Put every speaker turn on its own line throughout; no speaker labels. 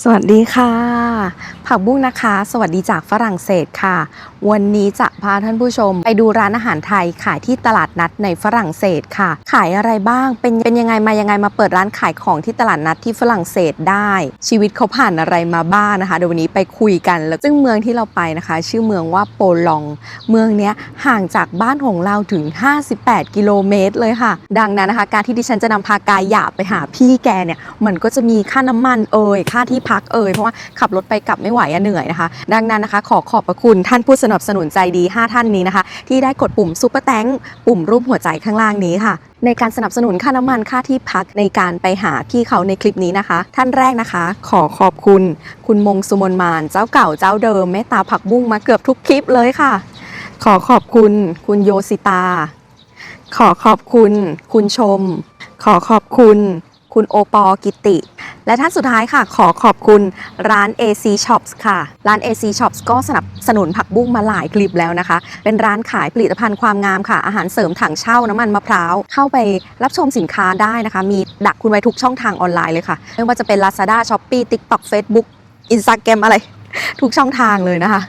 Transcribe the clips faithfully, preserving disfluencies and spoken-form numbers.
สวัสดีค่ะผักบุ้งนะคะสวัสดีจากฝรั่งเศสค่ะวันนี้จะพาท่านผู้ชมไปดูร้านอาหารไทยขายที่ตลาดนัดในฝรั่งเศสค่ะขายอะไรบ้างเป็นเป็นยังไงมายังไงมาเปิดร้านขายของที่ตลาดนัดที่ฝรั่งเศสได้ชีวิตเขาผ่านอะไรมาบ้างนะคะเดี๋ยววันนี้ไปคุยกันแล้วซึ่งเมืองที่เราไปนะคะชื่อเมืองว่าโปลองเมืองนี้ห่างจากบ้านของเราถึงห้าสิบแปดกิโลเมตรเลยค่ะดังนั้นนะคะการที่ดิฉันจะนำพากายหยาบไปหาพี่แกเนี่ยมันก็จะมีค่าน้ำมันเอ่ยค่าที่พักเอ่ยเพราะว่าขับรถไปกลับไม่ไหวอะเหนื่อยนะคะดังนั้นนะคะขอขอบพระคุณท่านผู้สนับสนุนใจดีห้าท่านนี้นะคะที่ได้กดปุ่มซุปเปอร์แตงปุ่มรูปหัวใจข้างล่างนี้ค่ะในการสนับสนุนค่าน้ำมันค่าที่พักในการไปหาพี่เขาในคลิปนี้นะคะท่านแรกนะคะขอขอบคุณคุณมงสุมนมานเจ้าเก่าเจ้าเดิมเมตตาผักบุ้งมาเกือบทุกคลิปเลยค่ะขอขอบคุณคุณโยสิตาขอขอบคุณคุณชมขอขอบคุณคุณโอปอกิติและท่านสุดท้ายค่ะขอขอบคุณร้าน เอ ซี Shops ค่ะร้าน เอ ซี Shops ก็สนับสนุนผักบุ้งมาหลายคลิปแล้วนะคะเป็นร้านขายผลิตภัณฑ์ความงามค่ะอาหารเสริมถังเช่าน้ำมันมะพร้าวเข้าไปรับชมสินค้าได้นะคะมีดักคุณไว้ทุกช่องทางออนไลน์เลยค่ะไม่ว่าจะเป็น Lazada Shopee TikTok Facebook Instagram อะไรทุกช่องทางเลยนะคะ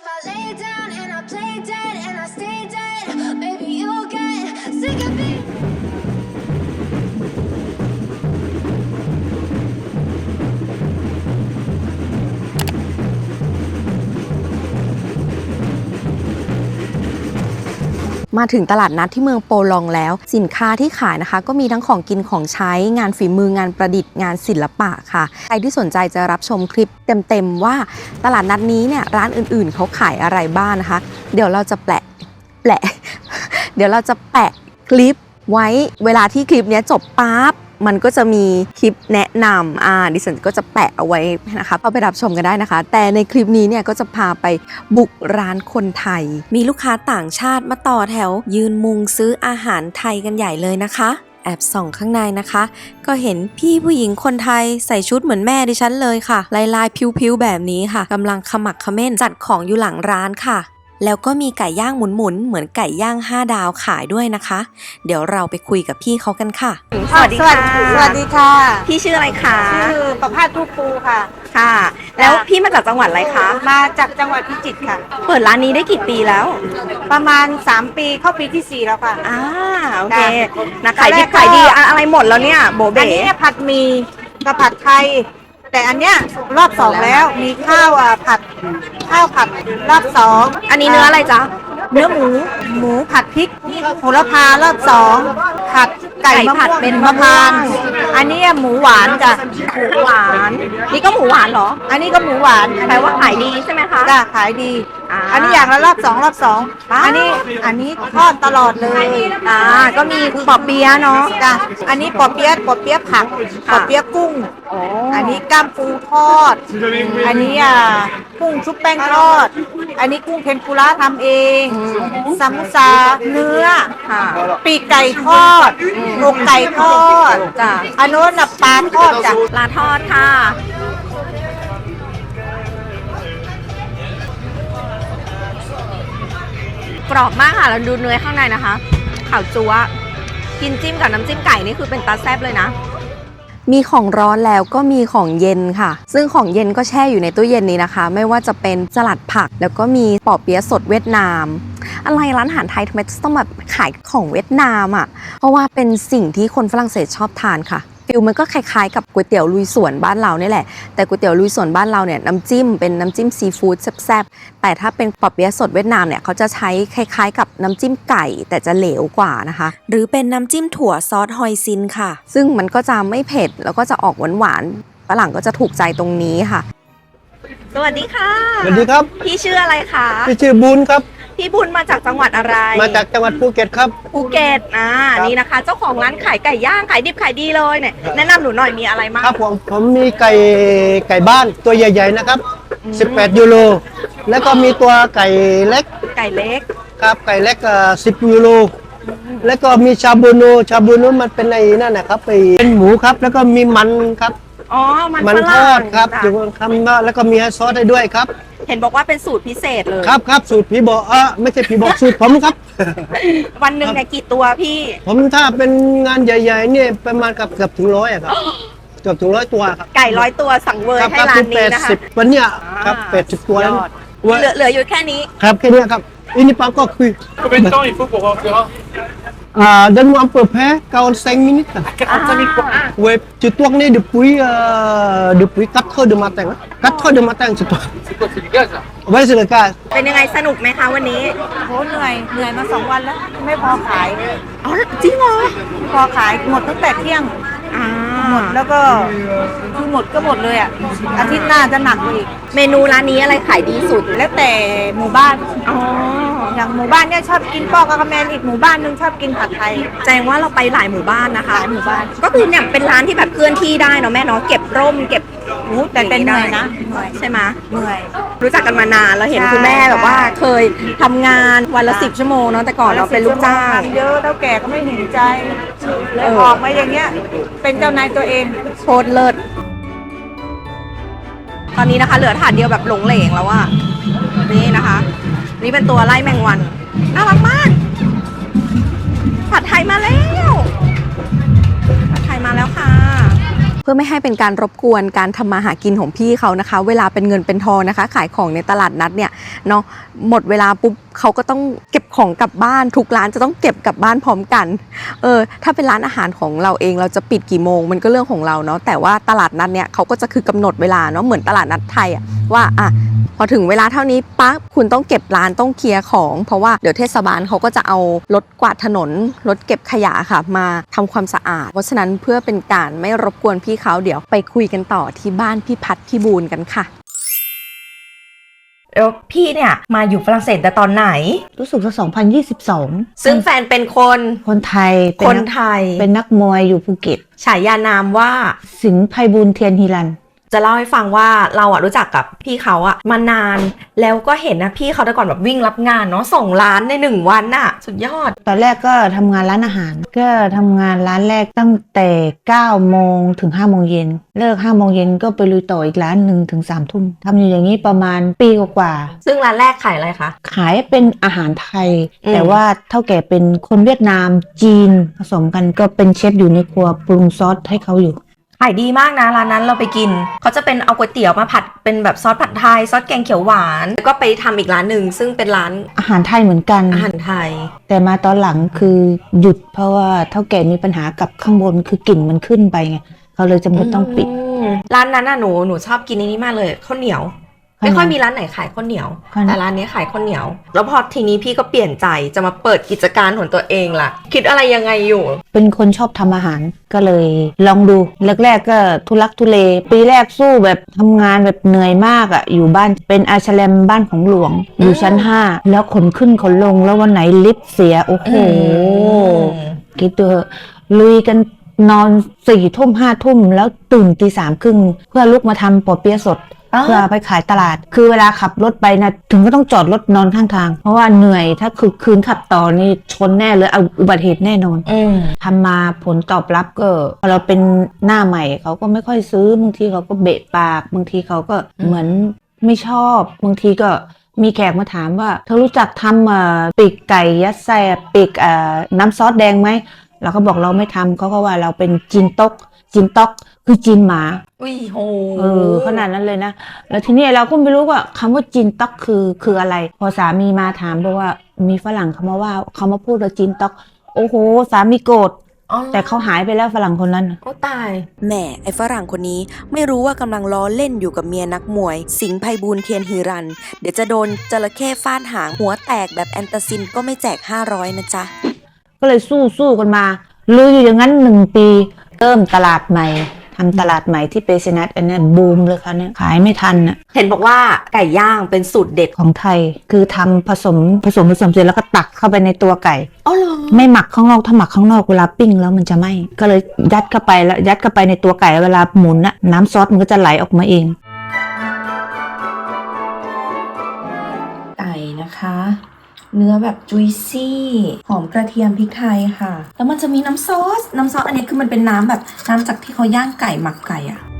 มาถึงตลาดนัดที่เมืองโปลองแล้วสินค้าที่ขายนะคะก็มีทั้งของกินของใช้งานฝีมืองานประดิษฐ์งานศิลปะค่ะใครที่สนใจจะรับชมคลิปเต็มๆว่าตลาดนัดนี้เนี่ยร้านอื่นๆเขาขายอะไรบ้างนะคะเดี๋ยวเราจะแปะแปะ เดี๋ยวเราจะแปะคลิปไว้เวลาที่คลิปนี้จบปั๊บมันก็จะมีคลิปแนะนำอ่าดิฉันก็จะแปะเอาไว้นะคะเข้าไปรับชมกันได้นะคะแต่ในคลิปนี้เนี่ยก็จะพาไปบุกร้านคนไทยมีลูกค้าต่างชาติมาต่อแถวยืนมุงซื้ออาหารไทยกันใหญ่เลยนะคะแอบส่องข้างในนะคะก็เห็นพี่ผู้หญิงคนไทยใส่ชุดเหมือนแม่ดิฉันเลยค่ะลายลายพิ้วๆแบบนี้ค่ะกำลังขมักเขม้นจัดของอยู่หลังร้านค่ะแล้วก็มีไก่ย่างหมุนๆเหมือนไก่ย่างห้าดาวขายด้วยนะคะเดี๋ยวเราไปคุยกับพี่เขากันค่ะสวัสดีค่ะ
สวัสดีค่ะ
พี่ชื่ออะไรคะ
ชื่อประภาสทุกปูค่ะ
ค่ะแล้วพี่มาจากจังหวัดอะไรคะ
มาจากจังหวัดพิจิตรค่ะ
เปิดร้านนี้ได้กี่ปีแล้ว
ประมาณสามปีเข้าปีที่สี่แล้วค่ะ
อ่าโอเคนะขายดีขายดีอะไรหมดแล้วเนี่ยโบเบ๋
อันนี้ผัดหมี่กับผัดไทยแต่อันเนี้ยรอบสองแล้วมีข้าวอ่ะผัดข้าวผัดรอบสอง
อันนี้เนื้ออะไรจ๊ะ
เนื้อหมูหมูผัดพริกโหระพารอบสองผัดไก่ผัดเป็นมะพร้าวอันนี้หมูหวานจ้ะ
หมูหวานนี่ก็หมูหวานเหรอ
อันนี้ก็หมูหวาน
แปลว่าขายดีใช่ไหมคะ
จ้ะขายดีอันนี้อย่างละรอบสองรอบสองอันนี้อันนี้ทอดตลอดเลย
อ่าก็มีปอเปี๊ยะเนาะ
จ้ะอันนี้ปอเปี๊ยะปอเปี๊ยะผักปอเปี๊ยะกุ้งอันนี้ก้ามปูทอดอันนี้อ่ะกุ้งชุบแป้งทอดอันนี้กุ้งเทมปุระทำเองซามุซาเนื้อปีกไก่ทอดอกไก่ทอด
จ้ะ
อันโน้นปลาทอดจ้ะ
ปลาทอดค่ะกรอบมากค่ะเราดูเนื้อข้างในนะคะขาวจั๊วกินจิ้มกับน้ำจิ้มไก่นี่คือเป็นตาแซ่บเลยนะมีของร้อนแล้วก็มีของเย็นค่ะซึ่งของเย็นก็แช่อยู่ในตู้เย็นนี้นะคะไม่ว่าจะเป็นสลัดผักแล้วก็มีปอเปี๊ยะสดเวียดนามอะไรร้านอาหารไทยทำไมต้องแบบขายของเวียดนามอ่ะเพราะว่าเป็นสิ่งที่คนฝรั่งเศสชอบทานค่ะฟิลมันก็คล้ายๆกับก๋วยเตี๋ยวลุยสวนบ้านเรานี่แหละแต่ก๋วยเตี๋ยวลุยสวนบ้านเราเนี่ยน้ำจิ้มเป็นน้ำจิ้มซีฟู้ดแซ่บๆแต่ถ้าเป็นปอเปี๊ยะสดเวียดนามเนี่ยเขาจะใช้คล้ายๆกับน้ำจิ้มไก่แต่จะเหลวกว่านะคะหรือเป็นน้ำจิ้มถั่วซอสฮอยซินค่ะซึ่งมันก็จะไม่เผ็ดแล้วก็จะออกหวานๆฝรั่งก็จะถูกใจตรงนี้ค่ะสวัสดีค่ะ
สวัสดีครับ
พี่ชื่ออะไรคะ
พี่ชื่อบุญครับ
พี่บุญมาจากจังหวัดอะไร
มาจากจังหวัดภูเก็ตครับ
ภูเก็ตอ่านี่นะคะเจ้าของร้านขายไก่ย่างขายดิบขายดีเลยเนี่ยแนะนำหนูหน่อยมีอะไรบ้าง
ครับผมผมมีไก่ไก่บ้านตัวใหญ่ๆนะครับสิบแปดยูโรแล้วก็มีตัวไก่เล็ก
ไก่เล็ก
ครับไก่เล็กอ่าสิบยูโรแล้วก็มีชาบูโนชาบูโนมันเป็นในนั่นนะครับเป็นหมูครับแล้วก็มีมันครับ
อ๋อมัน
มันทอดครับอยู่คำว่าแล้วก็มีซอสได้ด้วยครับ
เห็นบอกว่าเป็นสูตรพิเศษเลย
ครับครับสูตรพี่บอกเออไม่ใช่พี่บอกสูตรผมครับ
วันหนึ่งเนี่ยกี่ตัวพี่
ผมถ้าเป็นงานใหญ่ๆเนี่ยประมาณกับเกือบถึงร้อยอะครับเกือบถึงร้อยตัวครับ
ไก่ร้อยตัวสั่งเวอร์
ครับ
ให้
ครับ
ร้า
คื
น
อแป
นี้
ด
นะคะ
สิบวันเนี้ยครับแปดสิบตัวแล้ว
เหลือเหลืออยู่แค่นี้
ครับแค่เนี้ยครับอินี่ปั๊มก็คุย
Combien de temps il faut pour remplir un
อ่า donne-moi un peu près quarante-cinq minutes
quarante-cinq minutes pour un.
ouais je tourne depuis euh, depuis quatre heures du matin quatre heures du matin je tourne
C'est quoi, c'est du gaz là?
ouais c'est le cas
เป็นยังไงสนุกไหมคะวันนี้
โหเหนื่อยเหนื่อยมาสองวันแล้ว ไม่พอขาย
อ๋อจริงเหรอ
พอขายหมดตั้งแต่เที่ยง
อ่า
หมดแล้วก็คือหมดก็หมดเลยอ่ะอาทิตย์หน้าจะหนักกว่าอีก
เมนูร้านนี้อะไรขายดีสุด
แล้วแต่หมู่บ้าน
อ๋อ
อย่างหมู่บ้านเนี่ยชอบกินปอกกระแมนอีกหมู่บ้านนึงชอบกินผัดไทย
แสดงว่าเราไปหลายหมู่บ้านนะคะ
หลายหมู่บ้าน
ก็คือเนี่ยเป็นร้านที่แบบเคลื่อนที่ได้เนาะแม่เนาะเก็บร่มเก็บ
โอ้แต่เป็นเหนื่อยนะเหนื่อย
ใช่ไหม
เหนื่อย
รู้จักกันมานานเราเห็น
ใช่
คุณแม่แบบว่าเคยทำงานวันละสิบชั่วโมงเนาะแต่ก่อนเราเป็นลูกจ้าง
ทำเยอะเท่าแก่ก็ไม่เห็นใจเลย
เออ
ออกมาอย่างเงี้ย เป็นเจ้านายตัวเอง
โคตรเลิศตอนนี้นะคะ เหลือถาดเดียวแบบหลงเหลงแล้วอะนี่นะคะ นี่เป็นตัวไล่แมงวันน่ารักมากผัดไทยมาแล้วผัดไทยมาแล้วค่ะ เพื่อไม่ให้เป็นการรบกวนการทำมาหากินของพี่เขานะคะ เวลาเป็นเงินเป็นทองนะคะ ขายของในตลาดนัดเนี่ยเนาะหมดเวลาปุ๊บเขาก็ต้องเก็บของกลับบ้านทุกร้านจะต้องเก็บกลับบ้านพร้อมกันเออถ้าเป็นร้านอาหารของเราเองเราจะปิดกี่โมงมันก็เรื่องของเราเนาะแต่ว่าตลาดนัดเนี่ยเขาก็จะคือกำหนดเวลาเนาะเหมือนตลาดนัดไทยอะว่าอ่ะพอถึงเวลาเท่านี้ปั๊บคุณต้องเก็บร้านต้องเคลียร์ของเพราะว่าเดี๋ยวเทศบาลเขาก็จะเอารถกวาดถนนรถเก็บขยะค่ะมาทำความสะอาดเพราะฉะนั้นเพื่อเป็นการไม่รบกวนพี่เขาเดี๋ยวไปคุยกันต่อที่บ้านพี่พัดพี่บูนกันค่ะแล้วพี่เนี่ยมาอยู่ฝรั่งเศสแต่ตอนไหน
รู้สึกว่าสองพันยี่สิบสอง
ซึ่งแฟนเป็นคน
คนไทยเป็
คน
นัก
ไทย
เป็นนักมวยอยู่ภูเก็ต
ฉายานามว่า
สิงห์ไพบูลย์เทียนฮีรัน
จะเล่าให้ฟังว่าเราอะรู้จักกับพี่เขาอะมานานแล้วก็เห็นนะพี่เขาแต่ก่อนแบบวิ่งรับงานเนาะส่งร้านในหนึ่งวันน่ะสุดยอด
ตอนแรกก็ทำงานร้านอาหาร ก็ทำงานร้านแรกตั้งแต่เก้าโมงถึงห้าโมงเย็นเลิกห้าโมงเย็นก็ไปลุยต่ออีกร้านหนึ่งถึงสามทุ่มทำอยู่อย่างนี้ประมาณปีกว่า
ซึ่งร้านแรกขายอะไรคะ
ๆขายเป็นอาหารไทย
อืม
แต่ว่าเท่าแก่เป็นคนเวียดนามจีนผสมกันก็เป็นเชฟอยู่ในครัวปรุงซอสให้เขาอยู่
ขายดีมากนะร้านนั้นเราไปกินเขาจะเป็นเอาก๋วยเตี๋ยวมาผัดเป็นแบบซอสผัดไทยซอสแกงเขียวหวานแล้วก็ไปทำอีกร้านหนึ่งซึ่งเป็นร้าน
อาหารไทยเหมือนกัน
อาหารไทย
แต่มาตอนหลังคือหยุดเพราะว่าเท่าแก่มีปัญหากับข้างบนคือกลิ่นมันขึ้นไปไงเขาเลยจำเป็นต้องปิด
มร้านนั้นน่ะหนูหนูชอบกินนี้มากเลยข้าวเหนียว
ข้าวเหนียว
ไม่ค่อยมีร้านไหนขายข้าวเหนียว
ข้าวเหนียว
แต่ร้านนี้ขายข้าวเหนียว แล้วพอทีนี้พี่ก็เปลี่ยนใจจะมาเปิดกิจการของตัวเองล่ะ คิดอะไรยังไงอยู่
เป็นคนชอบทำอาหารก็เลยลองดูแรกๆก็ทุลักทุเล ปีแรกสู้แบบทำงานแบบเหนื่อยมากอะ่ะอยู่บ้านเป็นอาชแลมบ้านของหลวง อยู่ชั้นห้าแล้วขนขึ้นขนลงแล้ววันไหนลิฟต์เสียโอ้โห คิดดูเถอะลุยกันนอนสี่ทุ่มห้าทุ่มแล้วตื่นตีสามครึ่งเพื่อลุกมาทำปอเปี๊ยะสด
อ๋อ
เพื่อไปขายตลาด คือเวลาขับรถไปนะถึงก็ต้องจอดรถนอนข้างทาง เพราะว่าเหนื่อยถ้าคือคืนขับต่อนี่ชนแน่เลยเอาอุบัติเหตุแน่นอน
อืม
ทำมาผลตอบรับก็พอเราเป็นหน้าใหม่เขาก็ไม่ค่อยซื้อบางทีเขาก็เบะปากบางทีเขาก็เหมือนไม่ชอบบางทีก็มีแขกมาถามว่าเธอรู้จักทำเอ่อปีกไก่ยัดไส้ปีกเอ่อน้ำซอสแดงไหมเราก็บอกเราไม่ทำเขาก็ว่าเราเป็นจีนตกจีนตอกคือจีนหมา
อุ้ยโห
เออขนาดนั้นเลยนะแล้วทีนี้เราก็ไม่รู้ว่าคำว่าจีนตอกคือคืออะไร พอสามีมาถามบอกว่ามีฝรั่งเขามาว่าเขามาพูดว่าจีนตอกโอ้โหสามีโกรธ
อ๋อ
แต่เขาหายไปแล้วฝรั่งคนนั้น
โอ้ตาย
แหม่ไอ้ฝรั่งคนนี้ไม่รู้ว่ากำลังล้อเล่นอยู่กับเมียนักมวย สิงห์ไพบูลย์เทียนฮีรัน เดี๋ยวจะโดนจระเข้ฟาดหางหัวแตกแบบแอนตาซินก็ไม่แจกห้าร้อยนะจ๊ะ
ก็เลยสู้สู้กันมาลุยอยู่อย่างนั้นหนึ่งปีเริ่มตลาดใหม่ทำตลาดใหม่ที่เปเซนัทอันนี้บูมเลยค่ะเนี่ยขายไม่ทันน่ะ
เห็นบอกว่าไก่ย่างเป็นสูตรเด็ด
ของไทยคือทำผสมผสมผสมเสร็จแล้วก็ตักเข้าไปในตัวไก่
อ๋อเหรอ
ไม่หมักข้างนอกถ้าหมักข้างนอกเวลาปิ้งแล้วมันจะไหม้ก็เลยยัดเข้าไปแล้วยัดเข้าไปในตัวไก่เวลาหมุนน่ะน้ำซอสมันก็จะไหลออกมาเอง
ไก่นะคะ เนื้อแบบจุยซี่หอมกระเทียมพริกไทยค่ะ แล้วมันจะมีน้ำซอสน้ำซอสอันนี้คือมันเป็นน้ำแบบน้ำจากที่เขาย่างไก่หมักไก่อะ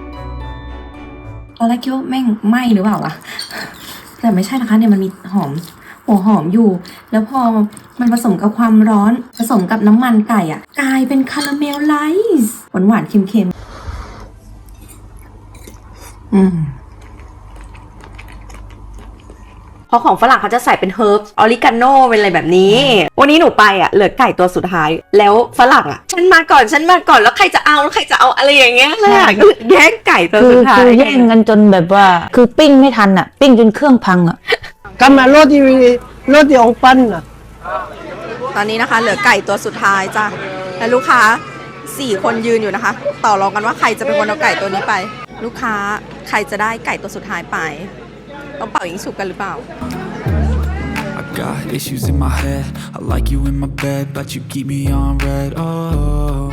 ตอนแรกคิดว่าแม่งไหม้หรือเปล่าวะแต่ไม่ใช่นะคะเนี่ยมันมีหอมหัวหอมอยู่ แล้วพอมันผสมกับความร้อนผสมกับน้ำมันไก่อะกลายเป็นคาราเมลไลซ์หวานหวานๆเค็มๆอืมเพราะของฝรั่งเขาจะใส่เป็นเฮิร์บออริกาโนเป็นอะไรแบบนี้ วันนี้หนูไปอ่ะเหลือไก่ตัวสุดท้าย แล้วฝรั่งอ่ะฉันมาก่อนฉันมาก่อนแล้วใครจะเอาแล้วใครจะเอาอะไรอย่างเงี้ยเลยอ่ะก็แย่งไก่ตัว
คือ
สุดท้าย
คือแย่งกันจนแบบว่า คือปิ้งไม่ทันอ่ะ ปิ้งจนเครื่องพังอ่ะ
Kama roti roti ong pan na.
ตอนนี้นะคะเหลือไก่ตัวสุดท้ายจ้ะและลูกค้าสี่คนยืนอยู่นะคะ ต่อรองกันว่าใครจะเป็นคนเอาไก่ตัวนี้ไป ลูกค้าใครจะได้ไก่ตัวสุดท้ายไปต้องเป่ายิงฉุบกันหรือเปล่า
I got issues in my head. I like you in my bed, but you keep me on red. Oh.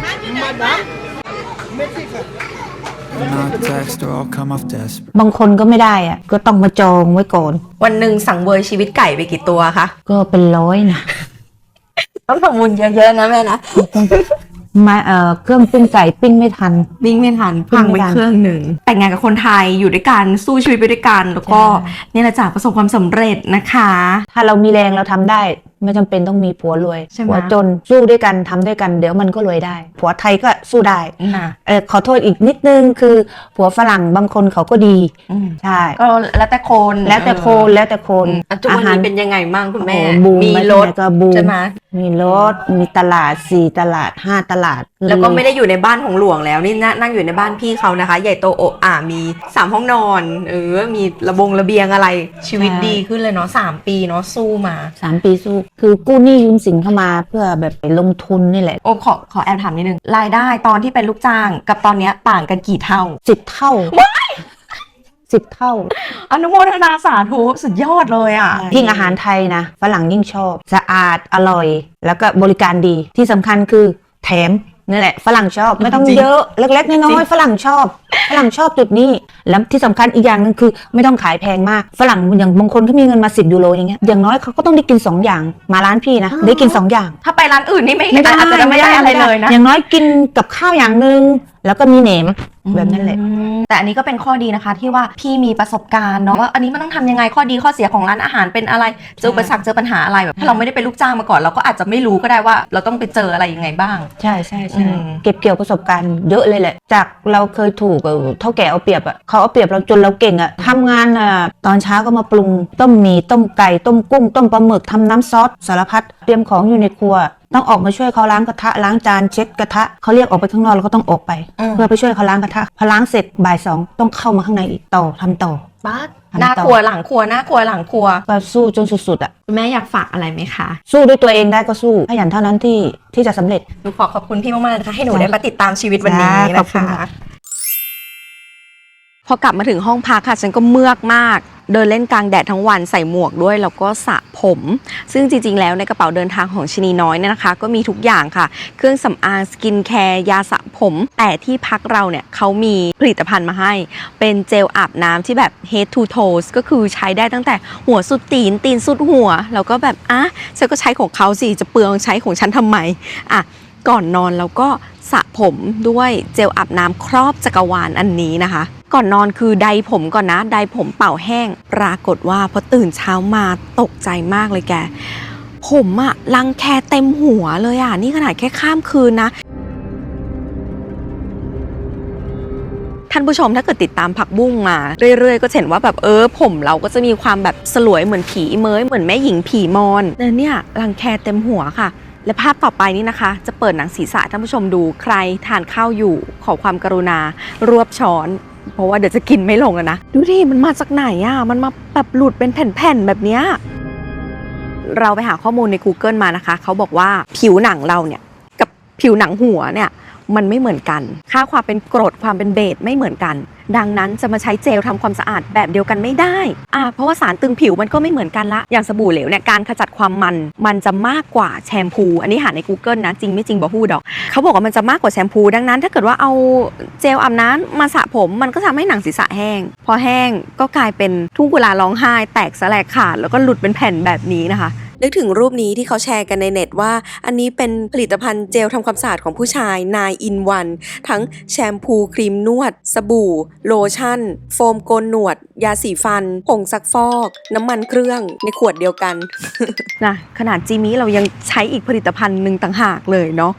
And I text or I'll come off desperate.
บางคนก็ไม่ได้อ่ะ ก็ต้องมาจองไว้ก่อน
วันหนึ่งสั่งเวยชีวิตไก่ไปกี่ตัวคะ
ก็เป็นร้อยนะ
ต้องทำบุญเยอะๆนะแม่นะ
มาเอ่อเครื่องปิ้งไก่ปิ้งไม่ทัน
วิ่งไม่ทัน
วิ่
พั
ง
ง
ไม่
ไป
ทัน
เครื่องหนึ่งแต่งงานกับคนไทยอยู่ด้วยกันสู้ชีวิตไปด้วยกัน แล้วก็นี่แหละจ้ะประสบความสำเร็จนะคะ
ถ้าเรามีแรงเราทำได้ ไม่จำเป็นต้องมีผัวรวย
ใช่ไหม
ผัวจนสู้ด้วยกันทำด้วยกันเดี๋ยวมันก็รวยได้ ผัวไทยก็สู้ได้
นะ
เออขอโทษอีกนิดนึงคือผัวฝรั่งบางคนเขาก็ดี
อืม
ใช่
ก็แล้วแต่คน
แล้วแต่คนแล้วแต่คน
อ่ะทุกวันนี้เป็นยังไงบ้างคุณแม่
โอ้โหบูม
มี
ไป
รถ
ที่ไหนก็บูม
ใช่ไหม
มีรถมีตลาดสี่ตลาดห้าตลาด
แล้วก็ไม่ได้อยู่ในบ้านของหลวงแล้วนี่นั่งนั่งอยู่ในบ้านพี่เขานะคะ ใหญ่โตโอะอ่ามีสามห้องนอนเออมีระบงระเบียงอะไรชีวิตดีขึ้นเลยเนาะสามปีเนาะสู้มา
สามปีสู้คือกู้หนี้ยืมสินเข้ามาเพื่อแบบไปลงทุนนี่แหละ
โอ้ขอขอแอบถามนิดนึงรายได้ตอนที่เป็นลูกจ้างกับตอนเนี้ยต่างกันกี่เท่า
สิบเท่าสิบเท่า
อนุโมทนาสาธุสุดยอดเลยอ่ะ
ยิ่งอาหารไทยนะฝรั่งยิ่งชอบ สะอาดอร่อย แล้วก็บริการดีที่สำคัญคือแถมนี่แหละฝรั่งชอบไม่ต้อง
จริง
เยอะเล็กๆน้อยๆฝรั่งชอบฝรั่งชอบจุดนี้แล้วที่สำคัญอีกอย่างหนึงคือไม่ต้องขายแพงมากฝรั่งอย่างบางคนเขามีเงินมาสิบยูโรอย่างเงี้ยอย่างน้อยเขาก็ต้องได้กินสองอย่างมาร้านพี่นะได้กินสองอย่าง
ถ้าไปร้านอื่นนี่ไม่อาจจะไม่ได้อะไรเลยนะ
อย่างน้อยกินกับข้าวอย่างหนึ่งแล้วก็มีเหนมแบบนั้นแหละ
อืมแต่อันนี้ก็เป็นข้อดีนะคะ ที่ว่าพี่มีประสบการณ์เนาะว่าอันนี้มันต้องทำยังไงข้อดีข้อเสียของร้านอาหารเป็นอะไรเจออุปสรรคเจอปัญหาอะไรแบบถ้าเราไม่ได้เป็นลูกจ้างมาก่อนเราก็อาจจะไม่รู้ก็ได้ว่า เราต้องไปเจออะไรยังไงบ้าง
ใช่ใช่
อื
ใช่
ม
เก็บเกี่ยวประสบการณ์เยอะเลยแหละ จากเราเคยถูกเอ่อเท่าแก่เอาเปรียบอ่ะเขาเอาเปรียบเราจนเราเก่งอ่ะทำงานอ่ะตอนเช้าก็มาปรุงต้มหมี่ต้มไก่ต้มกุ้งต้มปลาหมึกทำน้ำซอสสารพัดเตรียมของอยู่ในครัว ต้องออกมาช่วยเขาล้างกระทะล้างจานเช็ดกระทะเขาเรียกออกไปข้างนอกเราก็ต้องออกไป
อืม
เพื่อไปช่วยเขาล้างกระทะพอล้างเสร็จบ่ายสองต้องเข้ามาข้างในอีกต่อทำต่อ
บ้า
ทำต่อ
หน้าครัวหลังครัวหน้าครัวหลังครัว
ก็สู้จนสุดๆอ่ะ
คุณแม่อยากฝากอะไรไหมคะ
สู้ด้วยตัวเองได้ก็สู้ขยันเท่านั้นที่ที่จะสำเร็จ
หนูขอขอบคุณพี่มากๆเลยนะคะให้หนูได้มาติดตามชีวิตวันนี้
ขอบ
นะ
คุณ
คะ
ค่ะ
พอกลับมาถึงห้องพักค่ะฉันก็เมือกมาก เดินเล่นกลางแดดทั้งวันใส่หมวกด้วยแล้วก็สระผม ซึ่งจริงๆแล้วในกระเป๋าเดินทางของชนีน้อยเนี่ยนะคะ ก็มีทุกอย่างค่ะ เครื่องสำอางสกินแคร์ยาสระผม แต่ที่พักเราเนี่ยเขามีผลิตภัณฑ์มาให้ เป็นเจลอาบน้ำที่แบบ head to toes ก็คือใช้ได้ตั้งแต่หัวสุดตีนตีนสุดหัว แล้วก็แบบอ่ะฉันก็ใช้ของเขาสิจะเปลืองใช้ของฉันทำไมอ่ะก่อนนอนแล้วก็สระผมด้วยเจลอาบน้ำครอบจักรวาลอันนี้นะคะ ก่อนนอนคือไดผมก่อนนะไดผมเป่าแห้งปรากฏว่าพอตื่นเช้ามาตกใจมากเลยแก ผมอะรังแคเต็มหัวเลยอะนี่ขนาดแค่ข้ามคืนนะ ท่านผู้ชมถ้าเกิดติดตามผักบุ้งมาเรื่อยๆ ก็จะเห็นว่าแบบเออผมเราก็จะมีความแบบสลวยเหมือนผีเมยเหมือนแม่หญิงผีมอนแต่เนี่ยรังแคเต็มหัวค่ะ และภาพต่อไปนี้นะคะ จะเปิดหนังศีรษะท่านผู้ชมดูใครทานข้าวอยู่ขอความกรุณารวบช้อน เพราะว่าเดี๋ยวจะกินไม่ลงอะนะดูดิมันมาจากไหนอะมันมาแบบหลุดเป็นแผ่นๆแบบเนี้ยเราไปหาข้อมูลใน Google มานะคะเขาบอกว่าผิวหนังเราเนี่ยกับผิวหนังหัวเนี่ยมันไม่เหมือนกันค่าความเป็นกรดความเป็นเบสไม่เหมือนกัน ดังนั้นจะมาใช้เจลทำความสะอาดแบบเดียวกันไม่ได้อ่าเพราะว่าสารตึงผิวมันก็ไม่เหมือนกันละอย่างสบู่เหลวเนี่ยการขจัดความมันมันจะมากกว่าแชมพูอันนี้หาใน Google นะจริงไม่จริงบอกฮู้ดอกเขาบอกว่ามันจะมากกว่าแชมพูดังนั้นถ้าเกิดว่าเอาเจลอาบน้ำมาสระผมมันก็ทำให้หนังศีรษะแห้งพอแห้งก็กลายเป็นทุ่งกุลาร้องไห้แตกสลายขาดแล้วก็หลุดเป็นแผ่นแบบนี้นะคะ
นึกถึงรูปนี้ที่เขาแชร์กันในเน็ตว่า อันนี้เป็นผลิตภัณฑ์เจลทำความสะอาดของผู้ชาย นาย อิน วัน ทั้งแชมพูครีมนวด สบู่ โลชั่น โฟมโกนหนวด ยาสีฟัน ผงซักฟอก น้ำมันเครื่องในขวดเดียวกัน
นะขนาดจีมี่เรายังใช้อีกผลิตภัณฑ์หนึ่งต่างหากเลยเนาะ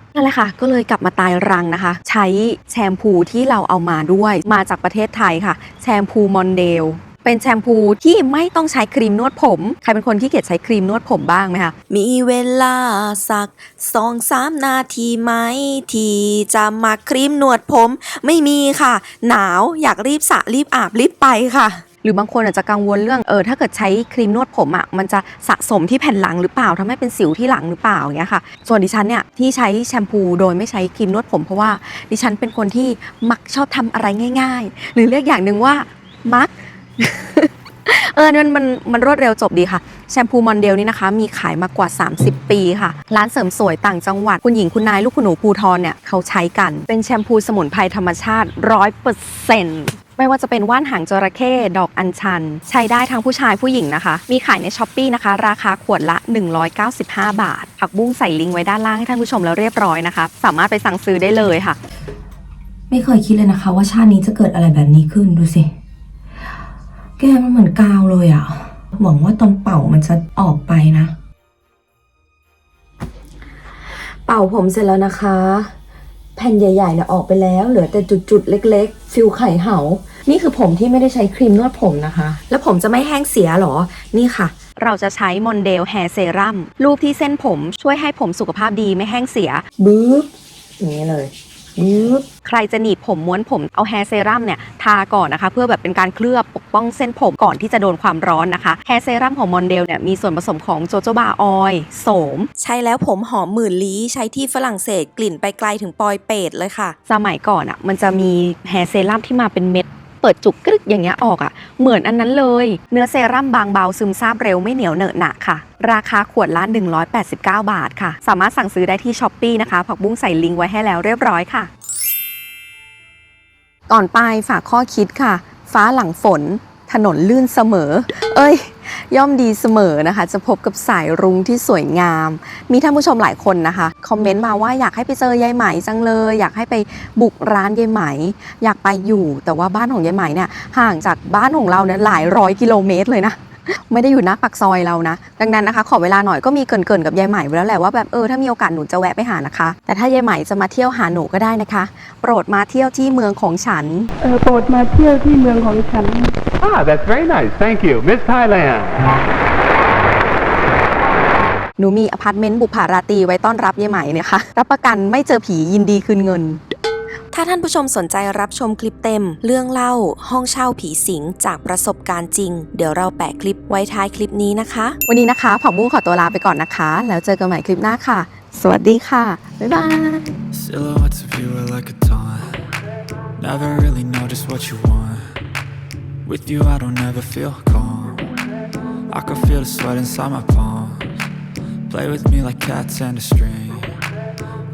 นั่นแหละค่ะก็เลยกลับมาตายรังนะคะ ใช้แชมพูที่เราเอามาด้วยมาจากประเทศไทยค่ะแชมพูมอนเดลเป็นแชมพูที่ไม่ต้องใช้ครีมนวดผมใครเป็นคนที่เกียจใช้ครีมนวดผมบ้างไหมคะ
มีเวลาสักสองสามนาทีไหมที่จะมาครีมหนวดผม ไม่มีค่ะ หนาวอยากรีบสระรีบอาบรีบไปค่ะ
หรือบางคนอาจจะกังวลเรื่องเออถ้าเกิดใช้ครีมนวดผมอ่ะมันจะสะสมที่แผ่นหลังหรือเปล่าทำให้เป็นสิวที่หลังหรือเปล่าอย่างเงี้ยค่ะส่วนดิฉันเนี่ยที่ใช้แชมพูโดยไม่ใช้ครีมนวดผมเพราะว่าดิฉันเป็นคนที่มักชอบทำอะไรง่ายๆ หรือเรียกอย่างหนึ่งว่ามัก เออมันมันมันรวดเร็วจบดีค่ะแชมพูมอนเดลนี่นะคะมีขายมากว่าสามสิบปีค่ะร้านเสริมสวยต่างจังหวัดคุณหญิงคุณนายลูกคุณหนูภูทรเนี่ยเขาใช้กันเป็นแชมพูสมุนไพรธรรมชาติ ร้อยเปอร์เซ็นต์ ไม่ว่าจะเป็นว่านหางจระเข้ดอกอัญชัน ใช้ได้ทั้งผู้ชายผู้หญิงนะคะมีขายใน ช้อปปี้ นะคะราคาขวดละหนึ่งร้อยเก้าสิบห้าบาทผักบุ้งใส่ลิงก์ไว้ด้านล่างให้ท่านผู้ชมแล้วเรียบร้อยนะคะสามารถไปสั่งซื้อได้เลยค่ะไม่เคยคิดเลยนะคะว่าชาตินี้จะเกิดอะไรแบบนี้ขึ้นดูสิแกมันเหมือนกาวเลยอ่ะหวังว่าตอนเป่ามันจะออกไปนะ เป่าผมเสร็จแล้วนะคะ แผ่นใหญ่ๆเนี่ยออกไปแล้วเหลือแต่จุดๆเล็กๆฟิลไข่เหานี่คือผมที่ไม่ได้ใช้ครีมนวดผมนะคะ แล้วผมจะไม่แห้งเสียหรอนี่ค่ะ เราจะใช้มอนเดลแฮร์เซรั่มรูปที่เส้นผมช่วยให้ผมสุขภาพดีไม่แห้งเสียบึ๊บอย่างนี้เลยใครจะหนีบผมม้วนผมเอาแฮร์เซรั่มเนี่ยทาก่อนนะคะเพื่อแบบเป็นการเคลือบปกป้องเส้นผมก่อนที่จะโดนความร้อนนะคะแฮร์เซรั่มของมอนเดลเนี่ยมีส่วนผสมของโจโจบาออยล์โสม
ใช้แล้วผมหอมหมื่นลี้ใช้ที่ฝรั่งเศสกลิ่นไปไกลถึงปอยเปตเลยค่ะ
สมัยก่อนอ่ะมันจะมีแฮร์เซรั่มที่มาเป็นเม็ดเปิดจุกกรึกอย่างเงี้ยออกอ่ะเหมือนอันนั้นเลยเนื้อเซรั่มบางเบาซึมซาบเร็วไม่เหนียวเหนอะหนะค่ะราคาขวดละหนึ่งร้อยแปดสิบเก้าบาทค่ะสามารถสั่งซื้อได้ที่ ช้อปปี้ นะคะผักบุ้งใส่ลิงก์ไว้ให้แล้วเรียบร้อยค่ะก่อนไปฝากข้อคิดค่ะฟ้าหลังฝนถนนลื่นเสมอเอ้ยย่อมดีเสมอนะคะจะพบกับสายรุ้งที่สวยงามมีท่านผู้ชมหลายคนนะคะคอมเมนต์มาว่าอยากให้ไปเจอยายไหมจังเลยอยากให้ไปบุกร้านยายไหมอยากไปอยู่แต่ว่าบ้านของยายไหมเนี่ยห่างจากบ้านของเราเนี่ยหลายร้อยกิโลเมตรเลยนะไม่ได้อยู่หน้าปากซอยเรานะดังนั้นนะคะขอเวลาหน่อยก็มีเกริ่นๆกับยายไหมไว้แล้วแหละว่าแบบเออถ้ามีโอกาสหนูจะแวะไปหานะคะแต่ถ้ายายไหมจะมาเที่ยวหาหนูก็ได้นะคะโปรดมาเที่ยวที่เมืองของฉัน
เออโปรดมาเที่ยวที่เมืองของฉัน
Ah, that's very nice. Thank you. Miss Thailand.
หนูมีอพาร์ตเมนต์บุปผาราตรีไว้ต้อนรับยายไหมเนี่ยค่ะรับประกันไม่เจอผียินดีคืนเงิน
ถ้าท่านผู้ชมสนใจรับชมคลิปเต็ม เรื่องเล่าห้องเช่าผีสิงจากประสบการณ์จริง เดี๋ยวเราแปะคลิปไว้ท้ายคลิปนี้นะคะ
วันนี้นะคะผักบุ้งขอตัวลาไปก่อนนะคะ แล้วเจอกันใหม่คลิปหน้าค่ะ สวัสดีค่ะ บ๊ายบาย
Silhouettes of you are like a taunt. Never really know just what you want. With you I don't ever feel calm. I can feel the sweat inside my palms. Play with me like cats and a string.